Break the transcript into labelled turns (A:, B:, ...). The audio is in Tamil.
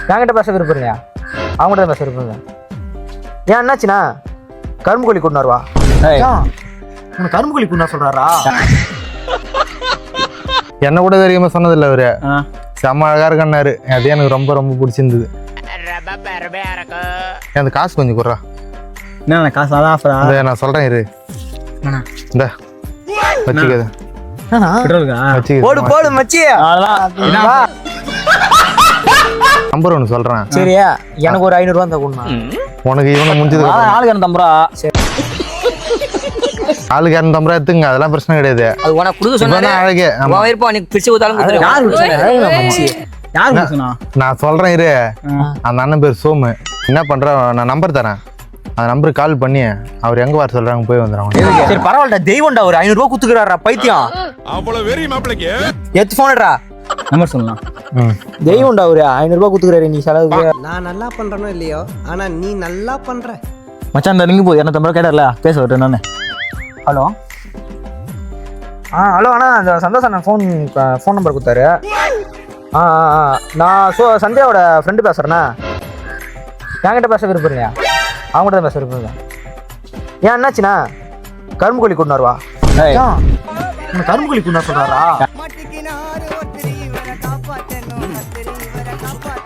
A: என்கிட்ட பேச விருப்பம் இல்லையா? அவங்ககிட்ட தான் பேச விருப்பம் இல்லை. ஏன் என்னாச்சுண்ணா? கரும்பு கோழி கொண்டு வருவா. உனக்கு கரும்பு கோழி கொண்டு சொல்றாரா?
B: என்ன கூட தெரியாம சொன்னதில்ல அவரு. செம்ம அழகா இருக்கன்னாரு. அது எனக்கு ரொம்ப ரொம்ப பிடிச்சிருந்தது. அந்த காசு கொஞ்சம் குடுறா.
C: என்ன காசு? அதான் ஆஃபரா?
B: நான் சொல்றேன் இரு. இந்த வச்சுக்கது
A: போடு போடு மச்சி.
B: நம்பர் ஒன்று சொல்றேன்.
A: சரியா, எனக்கு ஒரு 500 ரூபா இருந்தா கொடுமா.
B: உனக்கு இவனை முடிஞ்சது
C: ஆளுக்கு 250 ரூபா.
B: ஆளுக்கு 250 ரூபா எடுத்துங்க, அதெல்லாம் பிரச்சனை கிடையாது.
D: அது உனக்கு கொடுக்க சொன்னா
B: அழகே
D: பிரிச்சு ஊத்தாலும்
B: நான் சொல்றேன் இரு. அந்த அண்ணன் பேர் சோமு. என்ன பண்ற, நான் நம்பர் தரேன். அந்த நம்பருக்கு கால் பண்ணி அவர் எங்க வர சொல்றாங்க போய் வந்துடுறாங்க.
A: சரி பரவாயில்ல, தெய்வம்டா. ஒரு 500 ரூபா குத்துக்கிறாரா பைத்தியம்.
E: அவ்வளவு வெறி மாப்பிளைக்கு
A: எடுத்து போனடா.
C: நம்பர் சொல்லலாம்.
A: தெய்வம்டா, ஒரு 500 ரூபா குத்துக்கிறாரு நீ செலவுக்கு.
F: நான் நல்லா பண்றேனோ இல்லையோ, ஆனா நீ நல்லா பண்ற.
C: மச்சான் இந்த ரிங்கு போய் 250 ரூபா கேட்டார்ல, பேச விட்டு நானு.
A: ஹலோ. ஹலோ அண்ணா, அந்த சந்தோஷ் அண்ணன் ஃபோன் நம்பர் கொடுத்தாரு. நான் சந்தியாவோட ஃப்ரெண்டு பேசுகிறேண்ணா. என்கிட்ட பேச விருப்பம் இல்லையா? அவங்ககிட்ட தான் பேச விருப்பம் இல்லை. ஏன் என்னாச்சுண்ணா? கரும்பு கோழி கொண்டு வருவா. உனக்கு கரும்பு கோழி கொண்டு சொல்றாரா?